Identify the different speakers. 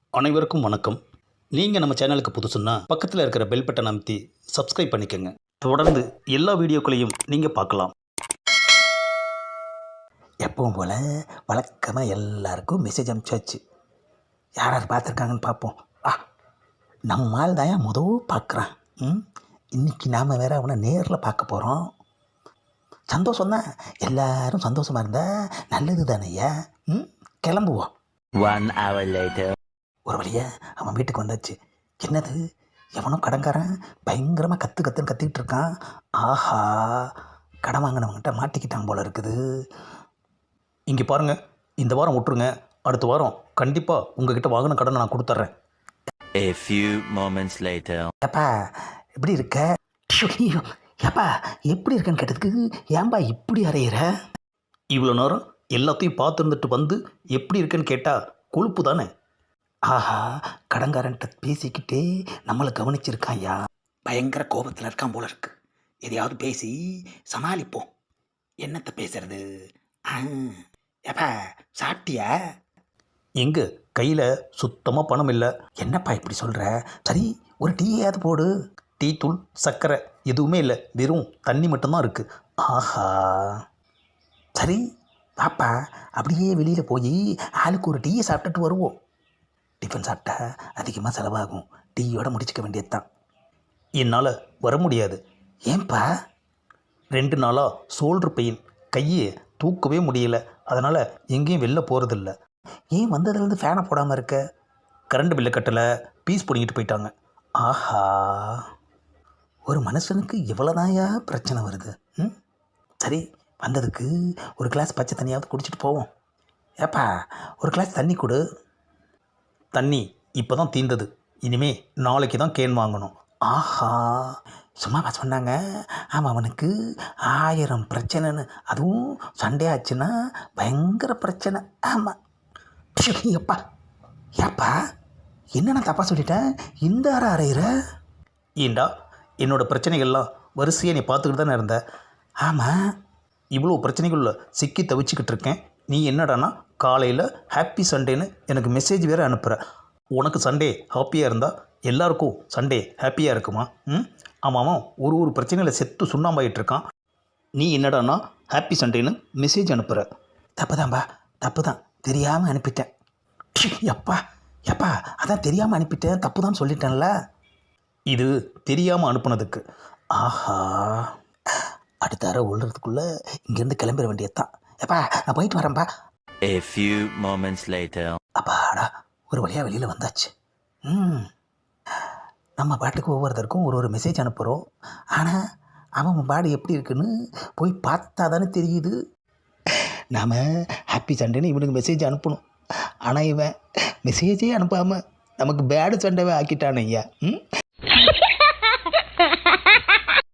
Speaker 1: அனைவருக்கும் வணக்கம். நீங்கள் நம்ம சேனலுக்கு புதுசுன்னா பக்கத்தில் இருக்கிற பெல் பட்டனை அமைத்தி சப்ஸ்கிரைப் பண்ணிக்கோங்க. தொடர்ந்து எல்லா வீடியோக்களையும் நீங்கள் பார்க்கலாம்.
Speaker 2: எப்பவும் போல் வழக்கமாக எல்லாருக்கும் மெசேஜ் அனுப்பிச்சாச்சு. யார் யார் பார்த்துருக்காங்கன்னு பார்ப்போம். நம்ம ஆள் தான் பார்க்குறான். இன்றைக்கி நாம் வேறு அவனை நேரில் பார்க்க போகிறோம். சந்தோஷம் தான், எல்லோரும் சந்தோஷமாக இருந்தால் நல்லது தானேய்யா. கிளம்புவோம்.
Speaker 3: 1 hour later.
Speaker 2: ஒரு வழியாக அவன் வீட்டுக்கு வந்தாச்சு. என்னது, எவனோ கடன்காரன் பயங்கரமாக கற்றுன்னு கத்திக்கிட்டு இருக்கான். ஆஹா, கடன் வாங்கினவங்கிட்ட மாட்டிக்கிட்டான் போல இருக்குது.
Speaker 1: இங்கே பாருங்கள், இந்த வாரம் விட்டுருங்க, அடுத்த வாரம் கண்டிப்பாக உங்ககிட்ட வாங்கின கடனை நான் கொடுத்துட்றேன்.
Speaker 3: A few moments later.
Speaker 2: ஏப்பா எப்படி இருக்க? ஏப்பா எப்படி இருக்கேன்னு கேட்டதுக்கு ஏன்பா இப்படி அறையிற?
Speaker 1: இவ்வளோ நேரம் எல்லாத்தையும் பார்த்துருந்துட்டு வந்து எப்படி இருக்குன்னு கேட்டால் கொழுப்பு தானே.
Speaker 2: ஆஹா, கடன்காரன்ட்ட பேசிக்கிட்டே நம்மளை கவனிச்சிருக்கான்யா. பயங்கர கோபத்தில் இருக்கான் போல இருக்கு. எதையாவது பேசி சமாளிப்போம். என்னத்தை பேசுறது? ஏப்பா சாப்பிட்டியா?
Speaker 1: எங்கே கையில் சுத்தமாக பணம் இல்லை.
Speaker 2: என்னப்பா இப்படி சொல்கிற? சரி, ஒரு டீயாவது போடு.
Speaker 1: டீ தூள் சர்க்கரை எதுவுமே இல்லை, வெறும் தண்ணி மட்டும்தான் இருக்குது.
Speaker 2: ஆஹா, சரி பாப்பா, அப்படியே வெளியில் போய் ஆளுக்கு ஒரு டீயை சாப்பிட்டுட்டு வருவோம். டிஃபன் சாப்பிட்டா அதிகமாக செலவாகும், டீயோட முடிச்சுக்க வேண்டியது தான்.
Speaker 1: என்னால் வர முடியாது.
Speaker 2: ஏன்பா?
Speaker 1: 2 நாளாக ஷோல்டர் பெயின், கையை தூக்கவே முடியல. அதனால் எங்கேயும் வெளில போகிறதில்ல.
Speaker 2: ஏன் வந்ததுலேருந்து ஃபேனை போடாமல் இருக்க?
Speaker 1: கரண்ட் பில்லை கட்டலை, பீஸ் பிடிங்கிட்டு போயிட்டாங்க.
Speaker 2: ஆஹா, ஒரு மனுஷனுக்கு இவ்வளோதாயா பிரச்சனை வருது. சரி, வந்ததுக்கு ஒரு கிளாஸ் பச்சை தண்ணியாவது குடிச்சிட்டு போவோம். ஏப்பா ஒரு கிளாஸ் தண்ணி கொடு.
Speaker 1: தண்ணி இப்போ தான் தீர்ந்தது, இனிமே நாளைக்கு தான் கேன் வாங்கணும்.
Speaker 2: ஆஹா, சும்மாவா சொன்னாங்க? ஆமாம், அவனுக்கு 1000 பிரச்சனைன்னு. அதுவும் சண்டே ஆச்சுன்னா பயங்கர பிரச்சனை. ஆமாம். எப்பா ஏப்பா, என்ன நான் தப்பாக சொல்லிட்டேன்? இந்த அறையிற?
Speaker 1: ஏண்டா, என்னோடய பிரச்சனைகள்லாம் வரிசையாக நீ பார்த்துக்கிட்டு தானே இருந்த.
Speaker 2: ஆமாம்.
Speaker 1: இவ்வளோ பிரச்சனைகளில் சிக்கி தவிச்சிக்கிட்டு இருக்கேன். நீ என்னடானா காலையில் ஹாப்பி சண்டேன்னு எனக்கு மெசேஜ் வேறு அனுப்புகிற. உனக்கு சண்டே ஹாப்பியாக இருந்தால் எல்லாருக்கும் சண்டே ஹாப்பியாக இருக்குமா? ஆமாம், ஒரு பிரச்சனையில் செத்து சுண்ணாம்பாயிட்டு இருக்கான். நீ என்னடானா ஹாப்பி சண்டேன்னு மெசேஜ் அனுப்புகிற.
Speaker 2: தப்பு தான்பா, தப்பு தான், தெரியாமல் அனுப்பிட்டேன். எப்பா எப்பா, அதான் தெரியாமல் அனுப்பிட்டேன், தப்பு தான் சொல்லிட்டேன்ல.
Speaker 1: இது தெரியாமல் அனுப்புனதுக்கு.
Speaker 2: ஆஹா, அடுத்த அறை உள்ளதுக்குள்ளே இங்கேருந்து கிளம்பிட வேண்டியது தான். எப்பா நான் போயிட்டு வரேன்ப்பா.
Speaker 3: A few moments later.
Speaker 2: அப்பாடா, ஒரு வழியாக வெளியில் வந்தாச்சு. நம்ம பாட்டுக்கு ஒவ்வொருத்தருக்கும் ஒரு மெசேஜ் அனுப்புகிறோம். ஆனால் அவன் பாடு எப்படி இருக்குன்னு போய் பார்த்தா தானே தெரியுது. நாம் ஹாப்பி சண்டேன்னு இவனுக்கு மெசேஜ் அனுப்பணும். ஆனால் இவன் மெசேஜே அனுப்பாமல் நமக்கு பேடு சண்டேவே ஆக்கிட்டான் ஐயா.